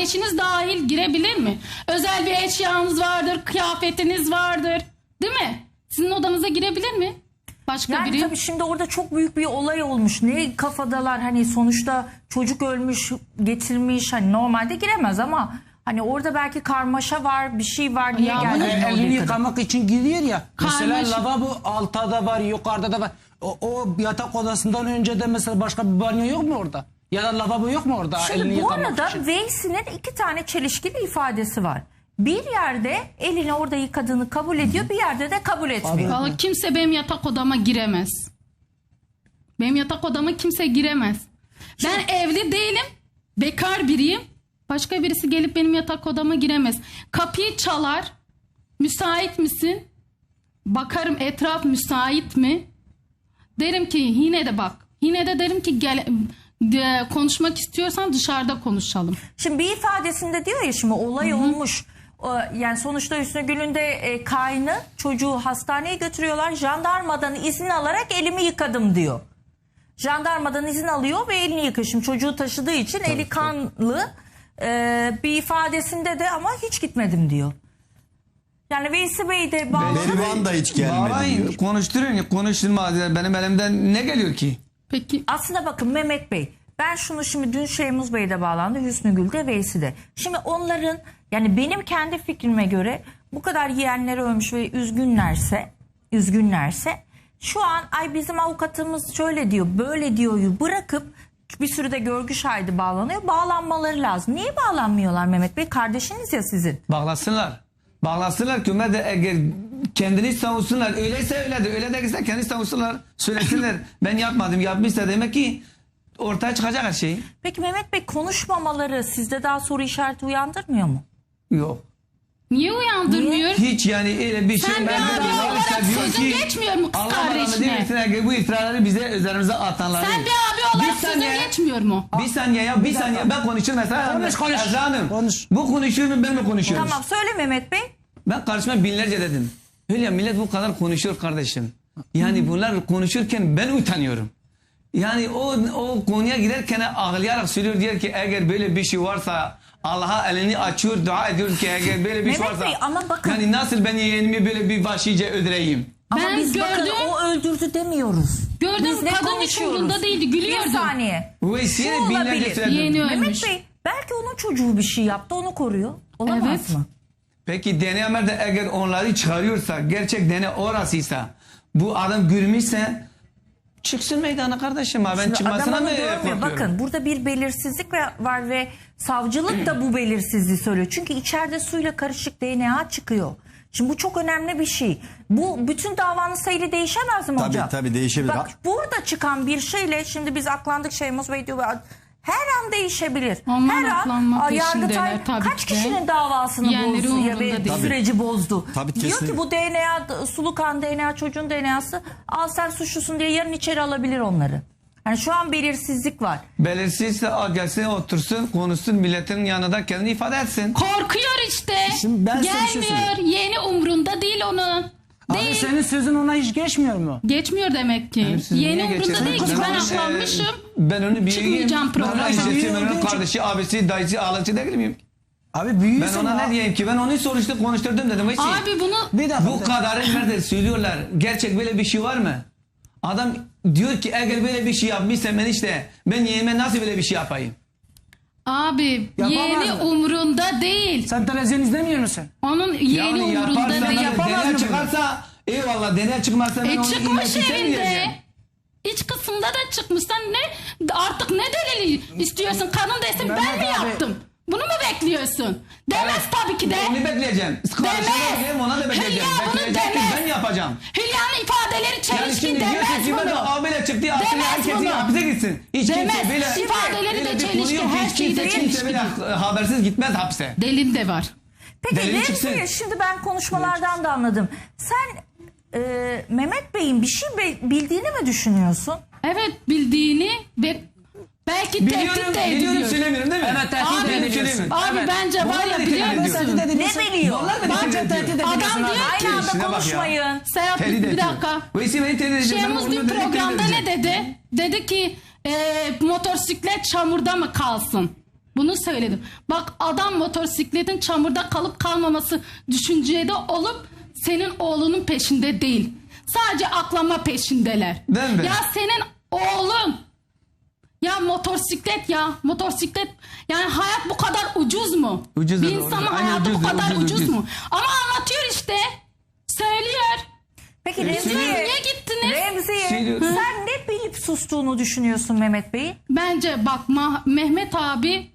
kardeşiniz dahil girebilir mi? Özel bir eşyanız vardır, kıyafetiniz vardır. Değil mi? Sizin odanıza girebilir mi? Başka Yani biri. tabii şimdi orada çok büyük bir olay olmuş. Ne kafadalar, hani sonuçta çocuk ölmüş, getirmiş, hani normalde giremez ama hani orada belki karmaşa var, bir şey var diye Ya geldi. Elini yıkamak için giriyor ya. Mesela Karmaşık. lavabo altta da var, yukarıda da var. O yatak odasından önce de mesela başka bir banyo yok mu orada? Ya da lavabo yok mu orada? elini Şimdi bu yıkamak arada için? Veysi'nin 2 tane çelişkili ifadesi var. Bir yerde elini orada yıkadığını kabul ediyor, bir yerde de kabul etmiyor. Vallahi kimse benim yatak odama giremez. Benim yatak odama kimse giremez. Ben evli değilim. Bekar biriyim. Başka birisi gelip benim yatak odama giremez. Kapıyı çalar. Müsait misin? Bakarım etraf müsait mi? Derim ki yine de bak. Yine de derim ki gel, konuşmak istiyorsan dışarıda konuşalım. Şimdi bir ifadesinde diyor ya, şimdi olay olmuş. Yani sonuçta Hüsnü Gül'ün de kaynı çocuğu hastaneye götürüyorlar. Jandarmadan izin alarak elimi yıkadım diyor. Jandarmadan izin alıyor ve elini yıkıyor. Şimdi çocuğu taşıdığı için eli kanlı, bir ifadesinde de ama hiç gitmedim diyor. Yani Veysi Bey de Berivan da hiç gelmedi Bağlayın, diyor. konuşturun, konuşturma. Benim elimden ne geliyor ki? Peki aslında bakın Mehmet Bey, ben şunu şimdi dün Şeymuz Bey de bağlandı, Hüsnü Gül de, Veysi de. Şimdi onların, yani benim kendi fikrime göre bu kadar yeğenleri ölmüş ve üzgünlerse şu an ay bizim avukatımız şöyle diyor böyle diyor bırakıp bir sürü de görgü şahidi bağlanıyor. Bağlanmaları lazım. Niye bağlanmıyorlar Mehmet Bey? Kardeşiniz ya sizin. Bağlasınlar. Bağlasınlar ki Ömer de eğer kendini savunsunlar. Öyleyse öyledir. Öyle değilse kendini savunsunlar. Söylesinler. Ben yapmadım. Yapmışsa demek ki ortaya çıkacak her şey. Peki Mehmet Bey, konuşmamaları sizde daha soru işareti uyandırmıyor mu? Yok. niye uyandırmıyor? Hiç yani öyle bir şey. Sen bir Ben de abi diyorum, olarak işte diyor sözün ki, geçmiyor mu kız Allah rahmet kardeşine? eylesin, eğer bu iftiraları bize üzerimize atanları. Sen bir abi olarak Bir sözün saniye. geçmiyor mu? Bir saniye ya, bir saniye. Ben konuşurum mesela. Konuş. Ezra Hanım, Konuş. bu konuşuyor mu, ben mi konuşuyorum? Tamam, söyle Mehmet Bey. Ben karşıma binlerce dedim. Hülya, millet bu kadar konuşuyor kardeşim. Yani bunlar konuşurken ben utanıyorum. Yani o konuya giderken ağlayarak söylüyor, diyor ki eğer böyle bir şey varsa Allah'a elini açıyor, dua ediyor ki eğer böyle bir şey Mehmet varsa. Bey, ama bakın. Yani nasıl ben yeğenimi böyle bir vahşice öldüreyim? Ama Ben biz bakın gördüm. o öldürdü demiyoruz. Gördüm, Biz ne kadın hiç konuşuyoruz? umurunda değildi, gülüyordu. Bir saniye. Veysi'ye Şu binlerce olabilir. söyledim. Yeni ölmüş. Mehmet Bey, belki onun çocuğu bir şey yaptı, onu koruyor. Olamaz Evet. mı? Peki DNA de eğer onları çıkarıyorsa, gerçek DNA orasıysa, bu adam gülmüşse çıksın meydana kardeşim. Ben Şimdi çıkmasına adam mı onu görmüyor. korkuyorum? Bakın burada bir belirsizlik var ve savcılık da bu belirsizliği söylüyor. Çünkü içeride suyla karışık DNA çıkıyor. Şimdi bu çok önemli bir şey. Bu bütün davanın seyri değişemez mi Tabii, hocam? tabii değişebilir. Bak, burada çıkan bir şeyle şimdi biz aklandık, Şeymuz Bey diyor, her an değişebilir. Onlar her aklanma an peşindeler Yargıtay tabii kaç ki de. kişinin davasını Yeğenleri bozdu umurunda ve değil. süreci bozdu. Tabii, Diyor kesinlikle. ki bu DNA, sulu kan DNA, çocuğun DNA'sı, al sen suçlusun diye yarın içeri alabilir onları. Yani şu an belirsizlik var. Belirsizse gelsin, otursun, konuşsun, milletin yanında kendini ifade etsin. Korkuyor işte. Şimdi ben sana bir şey Gelmiyor. Yeni umrunda değil onun. Abi Değil. senin sözün ona hiç geçmiyor mu? Geçmiyor demek ki. Siz Yeni niye umrunda geçersiniz? değil ki. Ben aklanmışım. Ben onu büyüğüm. Çıkmayacağım programa. Ben Büyüğüm ben onun olduğu için- kardeşi, abisi, dayısı, ağlaçı değil miyim? Abi Ben büyüyorsun. ona ne diyeyim ki? Ben onu konuşturdum dedim. Veysi, Abi bunu Bir dakika. bu kadarı nerede söylüyorlar? Gerçek böyle bir şey var mı? Adam diyor ki eğer böyle bir şey yapmışsam ben işte, ben yeğenime nasıl böyle bir şey yapayım? abi Yapamaz yeğeni mı? umrunda değil. Sen televizyon izlemiyor musun? Onun yeğeni umrunda yaparsa, değil. yapamaz deney mı çıkarsa eyvallah, deney çıkmazsa ben onu Çıkmış illetişim evinde. vereceğim. İç kısımda da çıkmış. Sen ne artık ne delili istiyorsun? Kadın desin ben mi Mehmet abi. yaptım? Bunu mu bekliyorsun? Demez tabii ki de. Onu bekleyeceğim. Karşıma ona da bekleyeceğim. Hülya bunu Bekleyecek ki demez. ben yapacağım. Hülya'nın ifadeleri Yani çelişkin şimdi diyorsun demez ki ben bunu. abiyle çıktı aslında Demez herkesin bunu. hapse gitsin. Hiç Demez. kimse böyle İfadeleri de böyle bir çelişki, konu yok. her Hiç şeyi de kimse çelişki. böyle habersiz gitmez hapse. Delil de var. Peki Delil Remziye, çıksın. şimdi ben konuşmalardan da anladım. Sen Mehmet Bey'in bir şey bildiğini mi düşünüyorsun? Evet, bildiğini ve belki tehdit Biliyorum, de biliyorum ediliyor. söylemiyorum değil mi? Evet, tehdit Abi, ediyorsun. abi bence var ya, biliyor musun? Ne biliyor? Bence tehdit ediyorsun. Adam diyor Aynı ki anda Şuna bak ya. konuşmayın. Serhat Tehdit bir ediyor. dakika. Veysi beni tehdit edecek. Ben Şeyhimiz onu dün direkt tehdit programda ne edeceğim. dedi? Dedi ki motosiklet çamurda mı kalsın? Bunu söyledim. Bak adam motosikletin çamurda kalıp kalmaması düşüncede olup senin oğlunun peşinde değil. Sadece aklama peşindeler. Değil mi? Ya senin oğlun ya motosiklet yani hayat bu kadar ucuz mu? Ucuz, bir doğru. insanın Aynen, hayatı bu ucuz, kadar ucuz, ucuz ucuz. mu? Ama anlatıyor işte. Söylüyor. Peki Remziye, Niye gittiniz? Remziye Söylüyorum. sen ne bilip sustuğunu düşünüyorsun Mehmet Bey'in? Bence bak Mehmet abi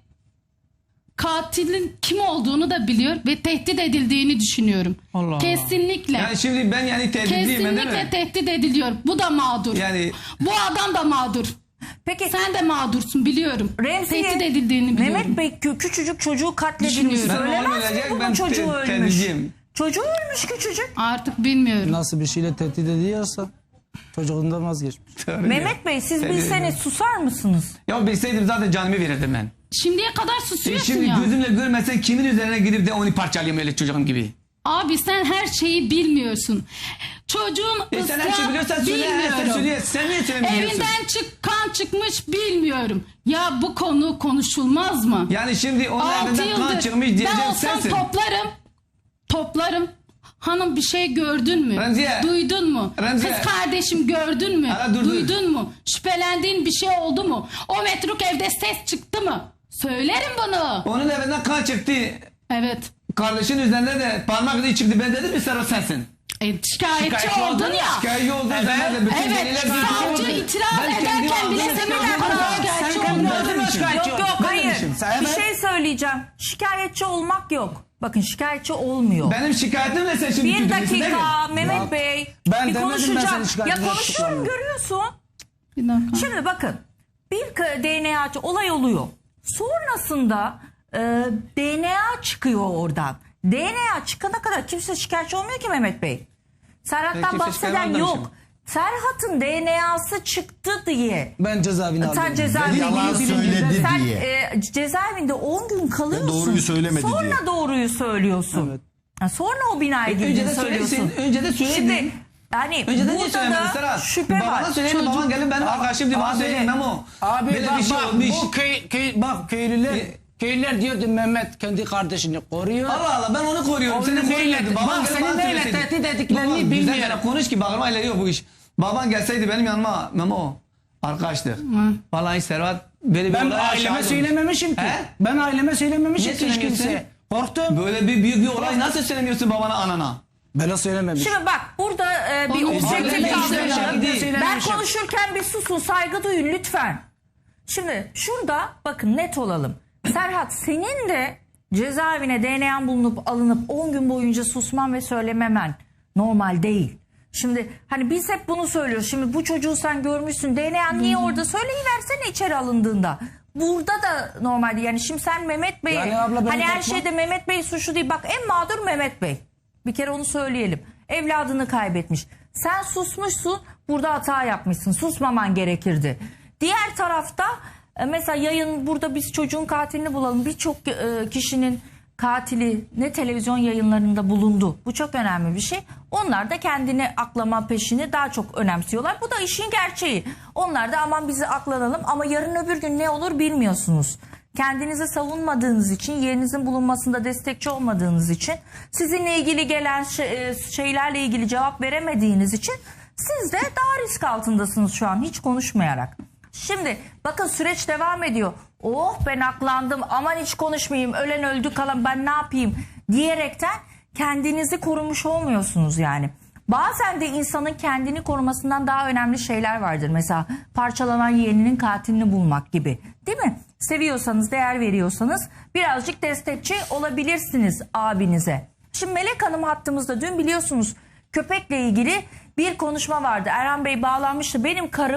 katilin kim olduğunu da biliyor ve tehdit edildiğini düşünüyorum. Allah Allah. Kesinlikle. Yani şimdi ben yani tehditliyim değil Kesinlikle mi? tehdit ediliyor. Bu da mağdur. Yani Bu adam da mağdur. Peki Sen de mağdursun biliyorum. Remziye, Tehdit edildiğini biliyorum. Mehmet Bey küçücük çocuğu katledilmiş. Düşünüyorum. Ben Söylemez oğlum mi ölecek, bunun ben çocuğu ölmüş? tehditliyim. Çocuğu ölmüş küçücük. Artık bilmiyorum. Nasıl bir şeyle tehdit ediyorsa çocuğundan vazgeçmiş. Mehmet Bey siz Tabii. bilseniz susar mısınız? Ya bilseydim zaten canımı verirdim ben. Şimdiye kadar susuyorsun Şimdi ya. gözümle görmesen kimin üzerine gidip de onu parçalayayım öyle çocuğum gibi. Abi sen her şeyi bilmiyorsun. Çocuğun Sen her şeyi biliyorsan söyle. Sen söyle. Sen niye söylemiyorsun? Evinden kan çıkmış bilmiyorum. Ya bu konu konuşulmaz mı? Yani şimdi onun 6 evinden kan yıldır çıkmış ben diyeceğim olsam sensin. toplarım. Hanım bir şey gördün mü? Remziye. Duydun mu? Remziye. Kız kardeşim gördün mü? Hala dur. Duydun mu? Şüphelendiğin bir şey oldu mu? O metruk evde ses çıktı mı? Söylerim bunu. Onun evinden kan çıktı. Evet. Kardeşin üzerinde de parmak izi çıktı. Ben dedim mi Serhat sensin? Şikayetçi oldun ya. Şikayetçi oldun zaman da bütün Evet, deliler savcı bir şey itiraz Ben kendi ederken bile ağzımla Semih şikayet Erdoğan'a etmedim. şikayetçi Sen oldu. kendin mi şikayetçi Yok oldun? yok Ben hayır. demişim. Bir şey söyleyeceğim. Şikayetçi olmak yok. Bakın şikayetçi olmuyor. Benim şikayetim ne sen şimdi Bir tutuyorsun, değil mi? dakika Mehmet Bey. ben bir demedim ben konuşacağım. senin şikayetine Ya konuşuyorum tutuklandım. görüyorsun. Bir dakika. Şimdi bakın bir DNA olay oluyor. Sonrasında DNA çıkıyor oradan. DNA çıkana kadar kimse şikayetçi olmuyor ki Mehmet Bey. Serhat'tan Kimse bahseden şikayet yok. almamışım. Serhat'ın DNA'sı çıktı diye. Ben cezaevine aldım. Sen cezaevinde Yalan gidiyorsun. söyledi Sen diye. cezaevinde 10 gün kalıyorsun. Doğruyu söylemedi Sonra diye. doğruyu söylüyorsun. Evet. Ha, sonra o binaya Önce girdiğini de söylüyorsun. söylesin. Önce de söyledin. Şimdi yani Önceden niye burada söylemedin da Serhat? şüphe Babana var. söyleyin baban gelin benim arkadaşım diye bana Abi, söyleyin Memo. Abi Böyle bak, bir şey bak, olmuş. bu bak köylüler diyordu Mehmet kendi kardeşini koruyor. Allah Allah ben onu koruyorum. Onu Seni neyle- koruyordum. Baban bak, gelip seni bana neyle söyleseydi. tehdit ettiklerini Baba, güzel bilmiyorum. yere konuş ki bağırma ile yok bu iş. Baban gelseydi benim yanıma Memo arkadaştık. Vallahi Serhat böyle bir Ben olaya aileme şahit olmuş. söylememişim ki. He? Ben aileme söylememişim Niye ki hiç söylemiyorsun? kimseye. Korktum. Böyle bir büyük bir olay nasıl söylemiyorsun babana anana? Ben söylememişim. Şimdi bak burada bir Onu objektif söyleme, davranalım. söyleme. Ben konuşurken bir susun, saygı duyun lütfen. Şimdi şurada bakın net olalım. Serhat senin de cezaevine DNA bulunup alınıp 10 gün boyunca susman ve söylememen normal değil. Şimdi hani biz hep bunu söylüyoruz. Şimdi bu çocuğu sen görmüşsün. DNA niye orada söyleyiversene içeri alındığında. Burada da normal değil. Yani şimdi sen Mehmet Bey'e Yani abla, ben hani her korkmam. şeyde Mehmet Bey suçlu değil. Bak en mağdur Mehmet Bey. Bir kere onu söyleyelim. Evladını kaybetmiş. Sen susmuşsun, burada hata yapmışsın. Susmaman gerekirdi. Diğer tarafta mesela yayın burada biz çocuğun katilini bulalım. Birçok kişinin katili ne televizyon yayınlarında bulundu. Bu çok önemli bir şey. Onlar da kendini aklama peşini daha çok önemsiyorlar. Bu da işin gerçeği. Onlar da aman bizi aklanalım ama yarın öbür gün ne olur bilmiyorsunuz. Kendinizi savunmadığınız için, yerinizin bulunmasında destekçi olmadığınız için, sizinle ilgili gelen şeylerle ilgili cevap veremediğiniz için siz de daha risk altındasınız şu an hiç konuşmayarak. Şimdi bakın süreç devam ediyor. Oh ben aklandım aman hiç konuşmayayım ölen öldü kalan ben ne yapayım diyerekten kendinizi korumuş olmuyorsunuz yani. Bazen de insanın kendini korumasından daha önemli şeyler vardır. Mesela parçalanan yeğeninin katilini bulmak gibi. Değil mi? Seviyorsanız, değer veriyorsanız birazcık destekçi olabilirsiniz abinize. Şimdi Melek Hanım hattımızda dün biliyorsunuz köpekle ilgili bir konuşma vardı. Erhan Bey bağlanmıştı. Benim karım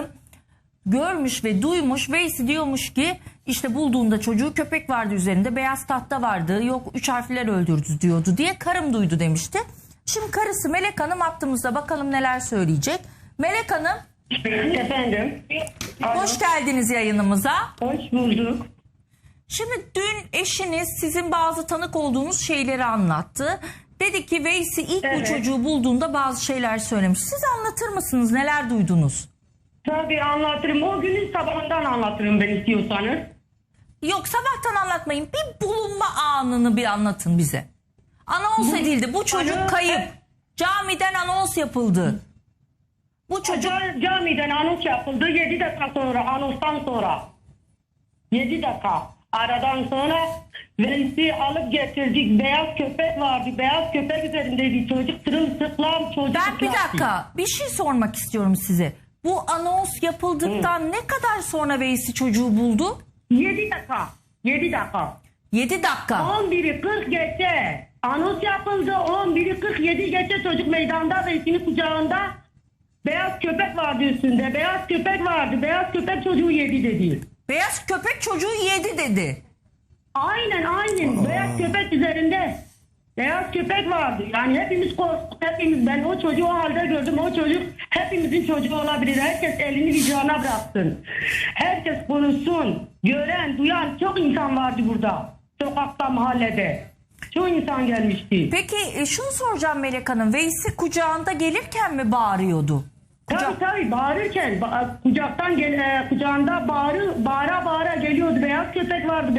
görmüş ve duymuş. Veysi diyormuş ki işte bulduğunda çocuğu köpek vardı üzerinde. Beyaz tahta vardı. Yok 3 harfler öldürdü diyordu diye karım duydu demişti. Şimdi karısı Melek Hanım hattımızda bakalım neler söyleyecek. Melek Hanım Efendim. hoş geldiniz yayınımıza. Hoş bulduk. Şimdi dün eşiniz sizin bazı tanık olduğunuz şeyleri anlattı. Dedi ki Veysi ilk bu Evet. çocuğu bulduğunda bazı şeyler söylemiş. Siz anlatır mısınız? Neler duydunuz? Tabii anlatırım. O günün sabahından anlatırım ben istiyorsanız. Yok, sabahtan anlatmayın. Bir bulunma anını bir anlatın bize. Anons edildi. Bu çocuk Alo, kayıp. Camiden anons yapıldı. Bu çocuk Camiden anons yapıldı 7 dakika sonra, anonstan sonra. 7 dakika. Aradan sonra Veys'i alıp getirdik. Beyaz köpek vardı. Beyaz köpek üzerindeydi. Çocuk sırılsıklam çocuk. ben bir dakika bir şey sormak istiyorum size. Bu anons yapıldıktan ne kadar sonra Veys'i çocuğu buldu? 7 dakika. 7 dakika. 7 dakika. 11'i 40 geçe. Anons yapıldı. 11'i 47 geçe çocuk meydanda Veys'in kucağında. Beyaz köpek vardı üstünde. Beyaz köpek vardı. Beyaz köpek çocuğu yedi dedi. Beyaz köpek çocuğu yedi dedi. Aynen. Beyaz köpek üzerinde. Beyaz köpek vardı. Yani hepimiz korktuk. Ben o çocuğu o halde gördüm. O çocuk hepimizin çocuğu olabilir. Herkes elini vicdana bıraksın. Herkes konuşsun. Gören, duyan çok insan vardı burada. Sokakta, mahallede. Çok insan gelmişti. Peki şunu soracağım Melek Hanım. Veys'i kucağında gelirken mi bağırıyordu? Tabii bağırırken kucaktan kucağında bağıra geliyordu. Beyaz köpek vardı.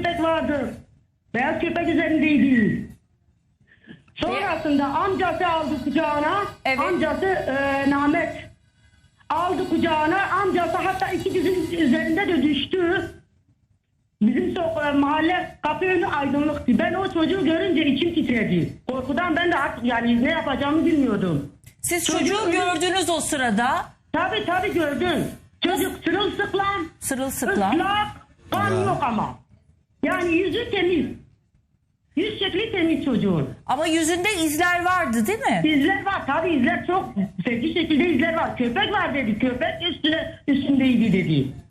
Beyaz köpek üzerindeydi. Sonrasında amcası aldı kucağına. Evet. Amcası Mehmet aldı kucağına. Amcası hatta iki dizinin üzerinde de düştü. Bizim mahalle kapı önü aydınlıktı. Ben o çocuğu görünce içim titredi. Korkudan ben de artık yani ne yapacağımı bilmiyordum. Siz çocuğu gördünüz o sırada. Tabii gördüm. Çocuk sırılsıklam. Sırılsıklam. Islak. Kan yok ama. Yani yüzü temiz. Yüz şekli temiz çocuğun. Ama yüzünde izler vardı değil mi? İzler var. Tabii izler çok. Feci şekilde izler var. Köpek var dedi. Köpek üstündeydi dedi.